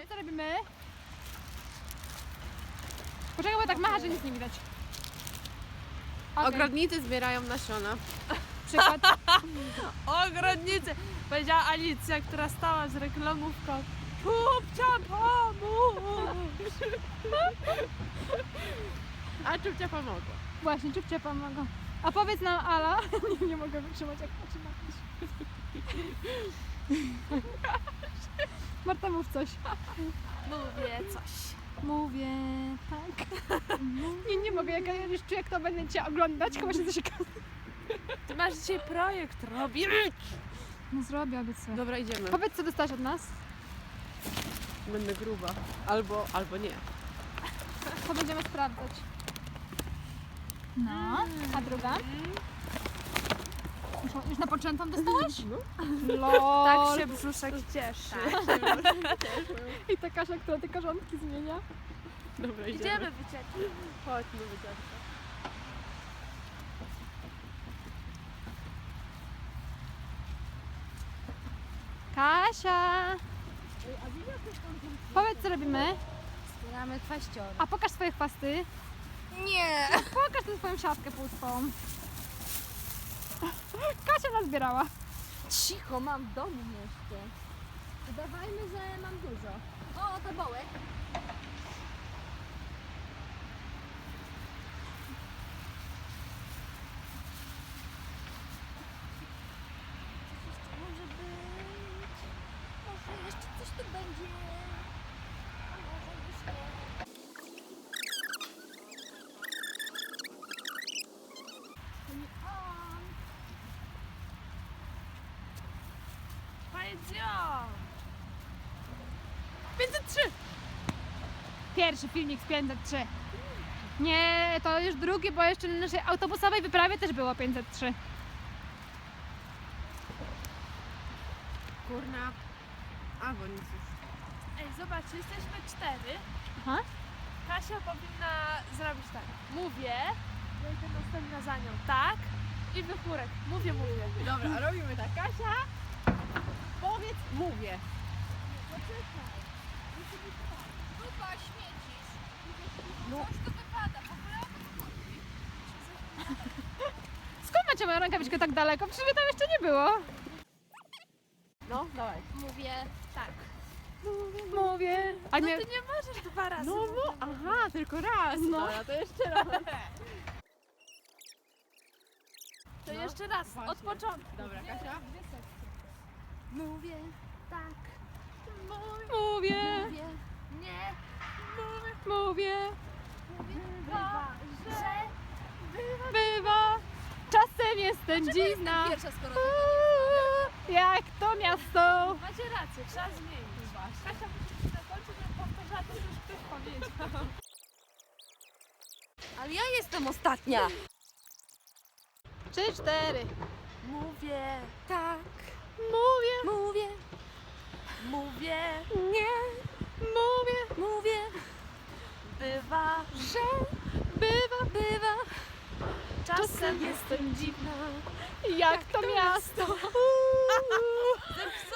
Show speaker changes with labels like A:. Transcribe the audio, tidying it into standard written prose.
A: Powiedz, co robimy? Poczekaj, bo tak macha, że nic nie widać. Okay.
B: Ogrodnicy zbierają nasiona.
A: Przykład.
C: Ogrodnicy! Powiedziała Alicja, która stała z reklamówką. Czupcia pomóż!
B: A Czupcia pomogła.
A: Właśnie, Czupcia pomogą. A powiedz nam, Ala, nie mogę wytrzymać, jak patrzy na coś. Marta, mów coś.
C: Mówię coś.
A: Mówię, tak. Nie mogę, jak ja już czuję, jak to będę cię oglądać, chyba się coś
C: Ty masz dzisiaj projekt, robimy!
A: No zrobię, obiecuję.
B: Dobra, idziemy.
A: Powiedz, co dostałeś od nas.
B: Będę gruba. Albo nie.
A: To będziemy sprawdzać. No, a druga? Już napoczętą dostałaś?
B: No.
A: Lol.
C: Tak się brzuszek cieszy.
A: I ta Kasia, która te korzonki zmienia.
B: Dobra,
C: Idziemy wycieczkę.
B: Chodźmy wycieczkę.
A: Kasia! Powiedz, co robimy?
D: Zbieramy kwaściory.
A: A pokaż swoje chwasty.
D: Nie!
A: Pokaż tę swoją siatkę pustą. Kasia nazbierała.
D: Cicho, mam w domu jeszcze. Udawajmy, że mam dużo. O, to bołek. Może być. Może jeszcze coś tu będzie. A może już nie.
C: Pajdzio!
A: 503! Pierwszy filmik z 503. Nie, to już drugi, bo jeszcze na naszej autobusowej wyprawie też było 503.
B: Kurna. Albo nic już.
C: Ej, zobaczcie, jesteśmy 4.
A: Aha.
C: Kasia powinna zrobić tak. Mówię, ja idę następna za nią. Tak? I wychórek. Mówię.
B: Dobra, robimy tak. Kasia, powiedz, mówię.
D: Dupa, śmiecisz. Coś tu wypada. W ogóle o co chodzi?
A: Skąd macie moją rękawiczkę tak daleko? Przecież mnie tam jeszcze nie było.
B: No, dawaj.
D: Mówię tak.
A: Mówię. A
C: No
A: nie...
C: ty nie możesz 2 razy.
B: No, aha, tylko raz.
A: No.
B: Dobra, to jeszcze raz.
C: To
B: No,
C: jeszcze raz,
B: właśnie.
C: od początku.
B: Dobra, Kasia.
D: Mówię tak.
A: Mówię.
D: Mówię nie.
A: Mówię.
D: Bywa, że...
A: Bywa. Czasem jestem dziwna.
D: Pierwsza, skoro
A: Jak to miasto.
C: Macie rację, trzeba zmienić. Kasia musi się zakończyć, żeby powtarzała to, co już ktoś powiedział.
D: Ale ja jestem ostatnia.
A: 3, 4.
C: Mówię,
D: Tak.
A: Mówię.
D: Mówię.
C: mówię,
A: Nie. Mówię.
D: Mówię.
C: bywa,
A: Że bywa.
C: czasem jestem dziwna.
A: Jak to miasto.